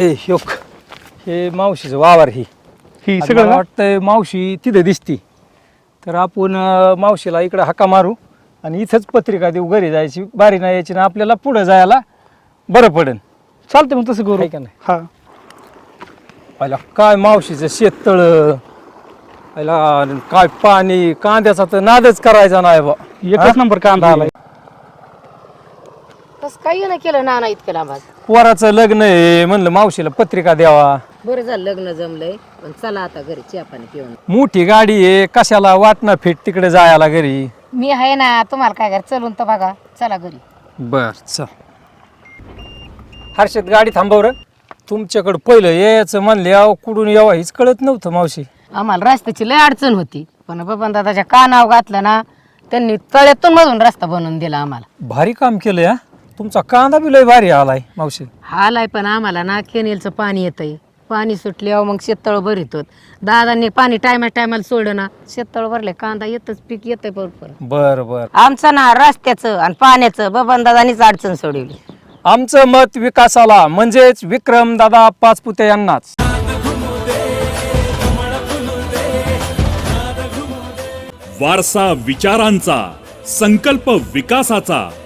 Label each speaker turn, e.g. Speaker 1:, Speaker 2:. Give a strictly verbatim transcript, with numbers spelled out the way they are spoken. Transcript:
Speaker 1: ए ह्योक हे मावशीचं वावर ही
Speaker 2: ही
Speaker 1: आता
Speaker 2: सगळं
Speaker 1: मला
Speaker 2: ना?
Speaker 1: वाटतंय मावशी तिथे दिसती तर आपण अं, मावशीला इकडे हाका मारू आणि इथंच पत्रिका देऊ घरी जायची बारी नाही यायची ना आपल्याला पुढे जायला बरं पडेल
Speaker 2: चालतंय मग तसं करू
Speaker 1: आहे का नाही
Speaker 2: हा
Speaker 1: पहिला काय मावशीचं शेततळ पहिला काय पाणी कांद्याचा तर नादच करायचा नाही बा
Speaker 2: एकच नंबर कांदा आलाय
Speaker 3: तस काही नाही केलं नाना इतकं लांब आज.
Speaker 1: पोराचं लग्न आहे म्हणलं मावशीला पत्रिका द्यावा
Speaker 3: बरं झालं लग्न जमलंय पण चला आता घरी चहा पाणी पिऊन.
Speaker 1: मोठी गाडी आहे कशाला वाटणं फिट तिकडे जायला घरी
Speaker 3: मी आहे ना तुम्हाला काय कर चलून तर बघा चला घरी.
Speaker 1: बर चल हर्षद गाडी थांबव रे तुमच्याकडं पहिलं यायचं म्हणले अहो कुठून यावं हीच कळत नव्हतं मावशी
Speaker 3: आम्हाला रस्त्याची लय अडचण होती पण बबन दादाच्या कानाव घातलं ना त्यांनी तळ्यातून मधून रस्ता बनवून दिला आम्हाला.
Speaker 1: भारी काम केलं या तुमचा कांदा बी लय भारी आलाय मावशी
Speaker 3: हालाय पण आम्हाला ना केनेलचं पाणी येतंय पाणी सुटल्यावर मग शेततळ भरितो दादांनी पाणी टायमा टायमाला सोडलं ना शेततळ भरले कांदा येतच पीक येतंय बरोबर.
Speaker 1: बर बर
Speaker 3: आमचं ना रस्त्याचं आणि पाण्याचं बबन दादानीच अडचण सोडवली.
Speaker 1: आमचं मत विकासाला म्हणजेच विक्रम दादा पाचपुते यांनाच.
Speaker 4: वारसा विचारांचा, संकल्प विकासाचा,